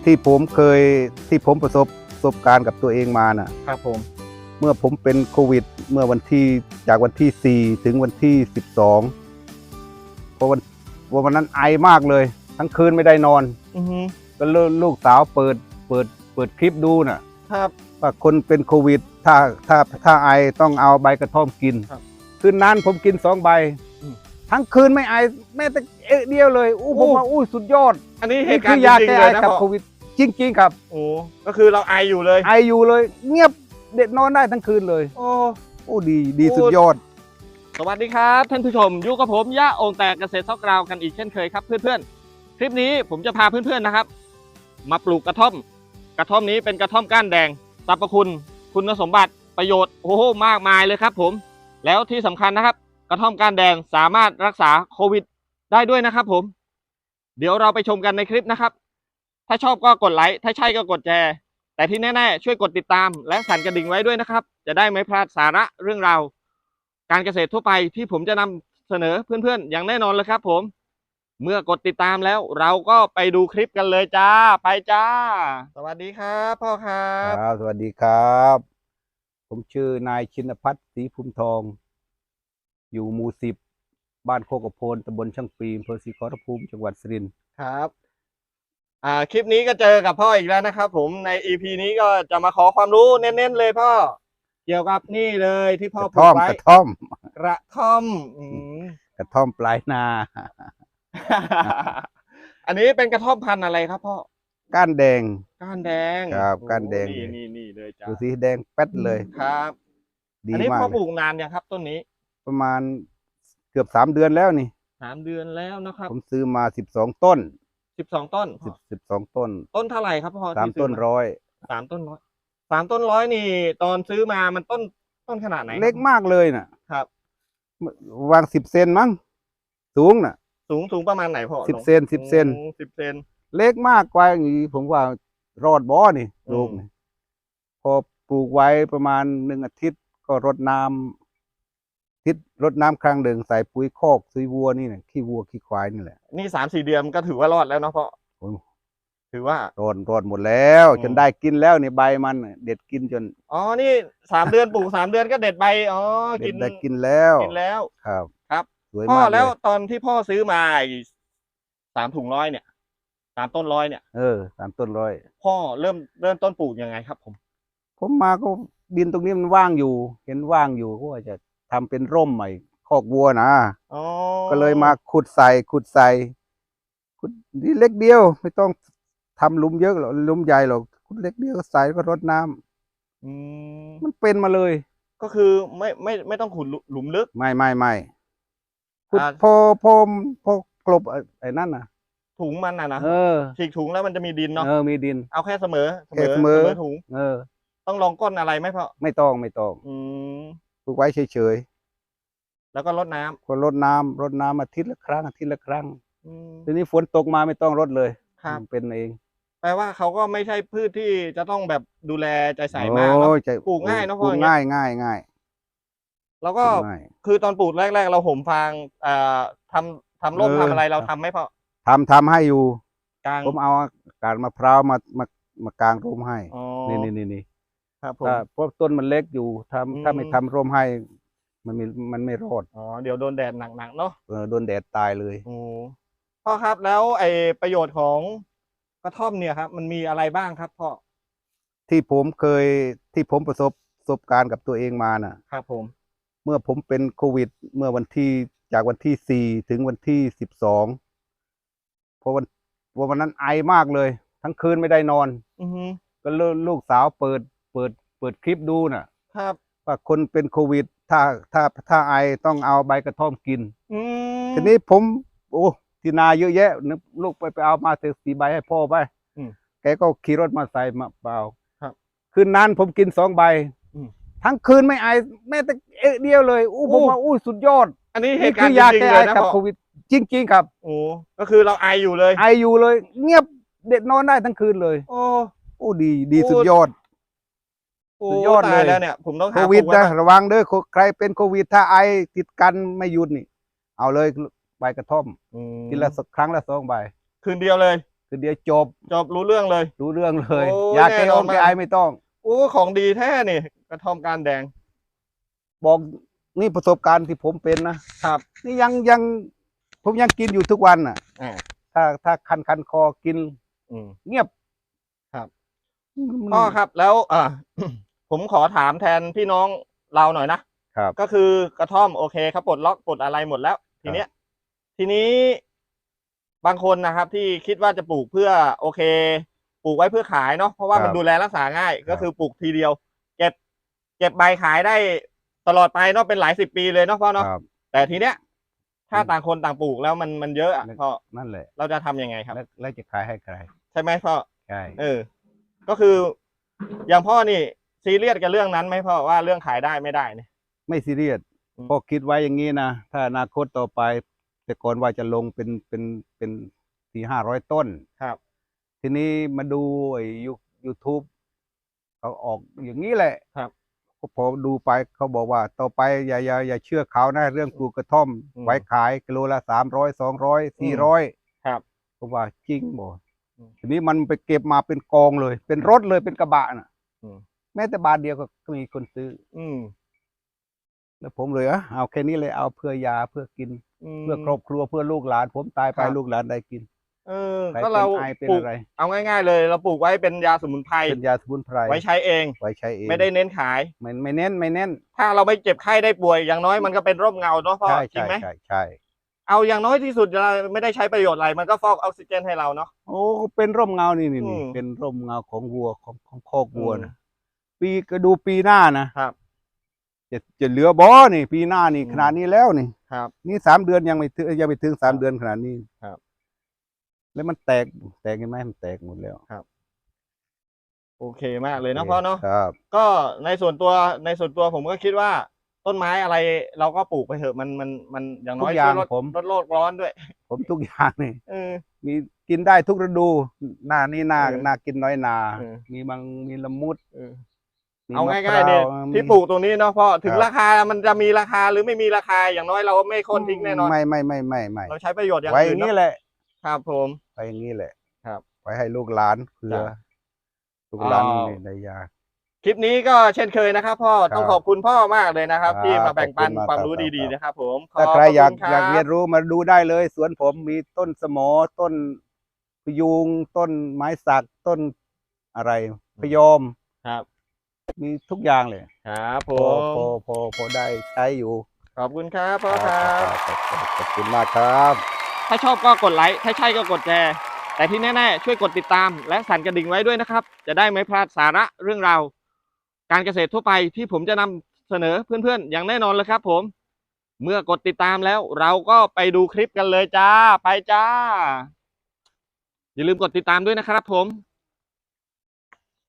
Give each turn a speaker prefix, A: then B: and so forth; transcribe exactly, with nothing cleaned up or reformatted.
A: ที่ผมเคยที่ผมประสบประสบการณ์กับตัวเองมาน่ะ
B: ครับผม
A: เมื่อผมเป็นโควิดเมื่อวันที่จากวันที่สี่ถึงวันที่สิบสองเพราะวันวันนั้นไอมากเลยทั้งคืนไม่ได้นอน
B: อือฮึ
A: ก็ลูกสาวเปิดเปิดเปิดคลิปดูน่ะ
B: ครับ
A: ว่าคนเป็นโควิดถ้าถ้าถ้าไอต้องเอาใบกระท่อมกินคืนนั้นผมกินสองใบทั้งคืนไม่ไอแม้แต่เอ๊ะเดียวเลยอู้ผมว่าอู้สุดยอด
B: อันนี้เห
A: นี่
B: ตุกา
A: คื
B: รณ์
A: อยา
B: จริง
A: แก้
B: ๆ
A: ไอ
B: เลยนะ
A: กับ
B: พ่อ
A: โควิดจริงๆครับ
B: โอ้ก็คือเราไออยู่เลย
A: ไออยู่เลยเงียบเด็ดนอนได้ทั้งคืนเลย
B: โอ้
A: โอ้ดีดีสุดยอด
B: สวัสดีครับท่านผู้ชมอยู่กับผมย่าโองแตกเกษตรซอกกราวกันอีกเช่นเคยครับเพื่อนๆคลิปนี้ผมจะพาเพื่อนๆนะครับมาปลูกกระท่อมกระท่อมนี้เป็นกระท่อมก้านแดงสรรพคุณคุณสมบัติประโยชน์โอ้โหมากมายเลยครับผมแล้วที่สำคัญนะครับกระท่อมก้านแดงสามารถรักษาโควิดได้ด้วยนะครับผมเดี๋ยวเราไปชมกันในคลิปนะครับถ้าชอบก็กดไลค์ถ้าใช่ก็กดแชร์แต่ที่แน่ๆช่วยกดติดตามและสั่นกระดิ่งไว้ด้วยนะครับจะได้ไม่พลาดสาระเรื่องราวการเกษตรทั่วไปที่ผมจะนำเสนอเพื่อนๆอย่างแน่นอนเลยครับผมเมื่อกดติดตามแล้วเราก็ไปดูคลิปกันเลยจ้าไปจ้าสวัสดีครับพ่อครับ
A: ครับสวัสดีครับผมชื่อนายชินพัฒน์ศรีภูมิทองอยู่หมู่สิบบ้านโคกโพนตำบลช่างปีอำเภอศรีขอรภูมิจังหวัดสุรินทร์
B: ครับอ่าคลิปนี้ก็เจอกับพ่ออีกแล้วนะครับผมใน อี พี นี้ก็จะมาขอความรู้เน้นๆเลยพ่อเกี่ยวกับนี่เลยที่พ่อก
A: ระท่อม
B: ไว้
A: กระท่อม
B: กระท่อมอืม
A: กระท่อมปลายนา
B: อันนี้เป็นกระท่อมพันธุ์อะไรครับพ่อ
A: ก้านแดง
B: ก้านแดง
A: ครับก้านแดง
B: นี่นี่นี่เลยจ้า
A: ดูสีแดงแป๊ดเลย
B: ครับ
A: ดี
B: อันนี้
A: มาก
B: พ่อปลูกนานยังครับต้นนี้
A: ประมาณเกือบสามเดือนแล้วนี่
B: สามเดือนแล้วนะครับ
A: ผมซื้อมาสิบสองต้น
B: สิบสองต้น
A: สิบสิบสองต้น
B: ต้นเท่าไหร่ครับพ่อ
A: สามต้นร้อย
B: สามต้นร้อยสามต้นร้อยนี่ตอนซื้อมามันต้นต้นขนาดไหน
A: เล็กมากเลยน่ะ
B: ครับ
A: วางสิบเซนมั้งสูงน่ะ
B: สูงสูงประมาณไหนพ่อ
A: สิบเซนสิบเซน
B: สิบเซน
A: เล็กมากกว่าอย่างนี้ผมว่ารอดบ่อนี่ลูกนี่พอปลูกไว้ประมาณหนึ่งอาทิตย์ก็รดน้ำทิศรดน้ำครั้งหนึ่งใส่ปุ๋ยคอกซุยวัวนี่เนี่ยขี้วัวขี้ควายนี่แหละ
B: นี่สามสี่เดือนก็ถือว่ารอดแล้วเนาะพ่อถือว่าร
A: อดรอดหมดแล้วจนได้กินแล้วนี่ใบมันเด็ดกินจน
B: อ๋อนี่สามเดือนปลูกสามเดือนก็เด็ดใบอ๋อ
A: กินได้กินแล้ว
B: กินแล้ว
A: ครับ
B: ครับ
A: สวย
B: พ่อ
A: มาก
B: แล้วตอนที่พ่อซื้อมาสามถุงร้อยเนี่ยสามต้นร้อยเนี่ย
A: เออสามต้นร้อย
B: พ่อเริ่มเริ่มต้นปลูกยังไงครับผม
A: ผมมาก็ดินตรงนี้มันว่างอยู่เห็นว่างอยู่ก็ว่าจะทำเป็นร่มใหม่คอกวัวนะก็เลยมาขุดใส่ขุดใส่ขุดนี่เล็กเดียวไม่ต้องทำหลุมเยอะหรอกหลุมใหญ่หรอกขุดเล็กเดียวใส่ก็รดน้ำอืมมันเป็นมาเลย
B: ก็คือไม่ไม่ไม่ต้องขุดหลุมลึก
A: ไม่ไม่ไม่ขุดพอพอพอกลบไอ้นั่นน่ะ
B: ถุงมันน่ะนะ
A: เออ
B: ฉีกถุงแล้วมันจะมีดินเนาะ
A: เออมีดิน
B: เอาแค่เสมอ
A: เสมอเสมอ
B: ถุง
A: เออ
B: ต้องลองก้นอะไรไหมพ่อ
A: ไม่ต้องไม่ต้อง
B: อืม
A: ปลูกไว้เฉย
B: ๆแล้วก็รดน้ำ
A: ก็รดน้ำรดน้ำอาทิตย์ละครั้งอาทิตย์ละครั้งทีนี้ฝนตกมาไม่ต้องรดเลยครับเป็นเอง
B: แปลว่าเขาก็ไม่ใช่พืชที่จะต้องแบบดูแลใจใส่มากเนาะปลูกง่ายเนาะพ่อ
A: ปลูกง่ายง่ายง่าย
B: แล้วก็คือตอนปลูกแรกๆเราห่มฟางอ่าทำทำร่มทำอะไรเราทำไหมพ่อ
A: ทำทำให้อยู่ผมเอากาดมะพร้าวมามามากางร่มให้นี่นี่นี่นี่
B: ครับผม
A: เพราะต้นมันเล็กอยู่ทำถ้าไม่ทำร่มให้มันมีมันไม่รอด
B: อ๋อเดี๋ยวโดนแดดหนักๆเนาะ
A: เออโดนแดดตายเลย
B: โอ้พ่อครับแล้วไอ้ประโยชน์ของกระท่อมเนี่ยครับมันมีอะไรบ้างครับพ่อ
A: ที่ผมเคยที่ผมประสบประสบการณ์กับตัวเองมาน่ะ
B: ครับผม
A: เมื่อผมเป็นโควิดเมื่อวันที่จากวันที่สี่ถึงวันที่สิบสองเพราะวันวันนั้นไอมากเลยทั้งคืนไม่ได้นอน
B: อือฮึ
A: ก็ลูกสาวเปิดเปิดเปิดคลิปดูน่ะ
B: ครับ
A: ว่าคนเป็นโควิดถ้าถ้าถ้าไอต้องเอาใบกระท่อมกิน
B: อืม
A: ทีนี้ผมโอ้ที่นาเยอะแยะนึกลูกไปไปเอามาเสสีใบให้พ่อไปแกก็ขี่รถมาใส่มาเปล่า
B: ครับ
A: คืนนั้นผมกินสองใบทั้งคืนไม่ไอแม้แต่เอ๊ะเดียวเลยอู้ผมว่าอู้สุดยอด
B: อันนี้เหตุการณ์จริงๆเลยนะ
A: กับโควิดจริงๆครับ
B: โอ้ก็คือเราไออยู่เลย
A: ไออยู่เลยเงียบเด็ดนอนได้ทั้งคืนเลย
B: โอ้
A: โอ้ดีดีสุดยอด
B: สุดยอดเลยแล้วเนี่ยผมต้อง
A: โควิดนะระวังเด้อใครเป็นโควิดถ้าไอติดกันไม่หยุดนี่เอาเลยใบกระท่อมกินละสักครั้งละสองใบ
B: คืนเดียวเลย
A: คืคือเดียวจบ
B: จบรู้เรื่องเลย
A: รู้เรื่องเลย
B: โอ้
A: ยา
B: แน่
A: แก้
B: น
A: อ
B: อน
A: ง
B: มาก
A: แก้ไอไม่ต้อง
B: โอ้ของดีแท้นี่กระท่อมก้านแดง
A: บอกนี่ประสบการณ์ที่ผมเป็นนะครับ นี่ยังยังผมยังกินอยู่ทุกวันอ่ะ
B: อ่า
A: ถ้าถ้าคันคันคอกิน
B: อืม
A: เงียบ
B: ครับ
A: มัน
B: พ่อครับแล้วอ่า ผมขอถามแทนพี่น้องเราหน่อยนะครับ ก็คือกระท่อมโอเคครับปลดล็อกปลดอะไรหมดแล้ว ทีเนี้ย ทีนี้บางคนนะครับ ที่คิดว่าจะปลูกเพื่อโอเค ปลูกไว้เพื่อขายเนาะเพราะว่ามันดูแลรักษาง่าย ก็คือปลูกทีเดียว เก็บ เก็บใบขายได้ตลอดไปเนาะเป็นหลายสิบปีเลยเนาะพ่อเนาะ
A: ครับ
B: แต่ทีเนี้ย ถ้าต่างคนต่างปลูกแล้วมันมันเยอะอะพ่อ
A: นั่นแหละ
B: เราจะทำยังไงครับ
A: แล้วแล้วจะขายให้ใคร
B: ใช่ไหมพ่อ
A: ใช่
B: เออ ก็คืออย่างพ่อนี่ซีเรียสกับเรื่องนั้นไหมพ่อว่าเรื่องขายได้ไม่ได้เนี่ย
A: ไม่ซีเรียส
B: อืม
A: พอคิดไว้อย่างนี้นะถ้าอนาคตต่อไป แต่ก่อนว่าจะลงเป็นเป็นเป็นสี่ห้าร้อยต้น
B: ครับ
A: ทีนี้มาดูไอ้ยูยูทูบเขาออกอย่างนี้แหละ
B: ครับ
A: พอดูไปเขาบอกว่าต่อไปอย่าอย่าอย่าเชื่อเขานะเรื่องปลูกกระท่อม
B: อืม
A: ไว้ขายกิโลละสามร้อยสองร้อยสี่ร้อย
B: ครับ
A: ผมว่าจริงบ่
B: อืม
A: ทีนี้มันไปเก็บมาเป็นกองเลย เป็นรถเลยเป็นกระบะน่ะ
B: อืม
A: แม้แต่บาทเดียวก็มีคนซื้อ
B: อืม
A: แล้วผมเลยอ่ะเอาแค่นี้เลยเอาเพื่อยาเพื่อกิน
B: ม
A: เพื่อครอบครัวเพื่อลูกหลาน ผมตายไป
B: ครับ
A: ลูกหลานได้กิน
B: เออ
A: ใคร
B: ก็
A: เป็น
B: เรา
A: ไอเป็น
B: ปลูก
A: อะไร
B: เอาง่าย ๆ เลย เราปลูกไว้เป็นยาสมุนไพร
A: เป็นยาสมุนไพร
B: ไว้ใช้เอง
A: ไว้ใช้เอง
B: ไม่ได้เน้นขาย
A: ไม่ไม่เน้นไม่เน้น
B: ถ้าเราไม่เจ็บไข้ได้ป่วยอย่างน้อยมันก็เป็นร่มเงาเนาะพ่อ
A: ใช่
B: จริ
A: ใช่
B: งไหม
A: ใช่ใช่
B: เอาอย่างน้อยที่สุดเราไม่ได้ใช้ประโยชน์อะไรมันก็ฟอกออกซิเจนให้เราเนาะ
A: โอ้เป็นร่มเงานี่นี่
B: อื
A: นี่
B: ม
A: เป็นร่มเงาของวัวของของคอกวัว
B: อืม
A: นะปีก็ดูปีหน้านะครับ จะจะเหลือบ่นี่ ปีหน้านี่
B: อืม
A: ขนาดนี้แล้วนี่
B: ครับ
A: นี่สามเดือนยังไม่ถึงยังไม่ถึงสาม
B: ครับ
A: เดือนขนาดนี้
B: ครับ
A: แล้วมันแตกแตกเห็นไหมมันแตกหมดแล้ว
B: โอเคมากเลยเนาะพ่อเนาะ
A: ครับ
B: ก็ในส่วนตัวในส่วนตัวผมก็คิดว่าต้นไม้อะไรเราก็ปลูกไปเถอะมันมันมันอย่างน้อย
A: ทุกอย่าง
B: ช่วยลด
A: ผม
B: ลดโลกร้อนด้วย
A: ผมทุกอย่างนี่
B: เออ
A: มีกินได้ทุกฤดู หน้านี้หน้า
B: เออ
A: หน้ากินน้อยนา
B: เออ
A: มีบางมีละมุด
B: เออ
A: มี
B: เอา
A: มะ
B: ง่าย
A: พร้
B: ๆเนี่ย
A: ว
B: ที่ปลูกตรงนี้เนาะพ่อถึง
A: ครับ
B: ราคามันจะมีราคาหรือไม่มีราคาอย่างน้อยเราไม่โค่นทิ้งแน่นอน
A: ไม่ไม่ไม่ไม่ไม่
B: เราใช้ประโยชน์อย่าง
A: ไว้อ
B: อื่
A: ย่าน งนี้
B: เนาะ
A: แหละ
B: ครับผม
A: ไว้อย่างนี้แหละ
B: ครับ
A: ไว้ให้ลูกหลานเผื่อ
B: จ้ะ
A: ลูกหลาน
B: อ่า
A: นี่ได้ยา
B: คลิปนี้ก็เช่นเคยนะครับพ่อ
A: ครับ
B: ต้องขอบคุณพ่อมากเลยนะครับ
A: ครับ
B: ที่มาแบ่งปัน
A: ขอบคุณมาก
B: ความรู้
A: ครับ
B: ดีๆนะครับ ผมข
A: ถ้า
B: บ
A: ใครอยาก
B: พะคุณ
A: อยาก
B: บ
A: เรียนรู้มาดูได้เลย สวนผมมีต้นสมอต้นพยุงต้นไม้สักต้นอะไรพยอม
B: ครับ
A: มีทุกอย่างเลย
B: ครับผ
A: พอ
B: ม
A: พอพอพอได้ใช้อยู่
B: ขอบคุณครับพ่อครับ
A: ครับครับขอบคุณมากครับ
B: ถ้าชอบก็กดไลค์ถ้าใช่ก็กดแชร์แต่ที่แน่ๆช่วยกดติดตามและสั่นกระดิ่งไว้ด้วยนะครับ จะได้ไม่พลาดสาระเรื่องราวการเกษตรทั่วไปที่ผมจะนำเสนอเพื่อนๆอย่างแน่นอนเลยครับ ผม เมื่อกดติดตามแล้วเราก็ไปดูคลิปกันเลยจ้าไปจ้า อย่าลืมกดติดตามด้วยนะครับ ผม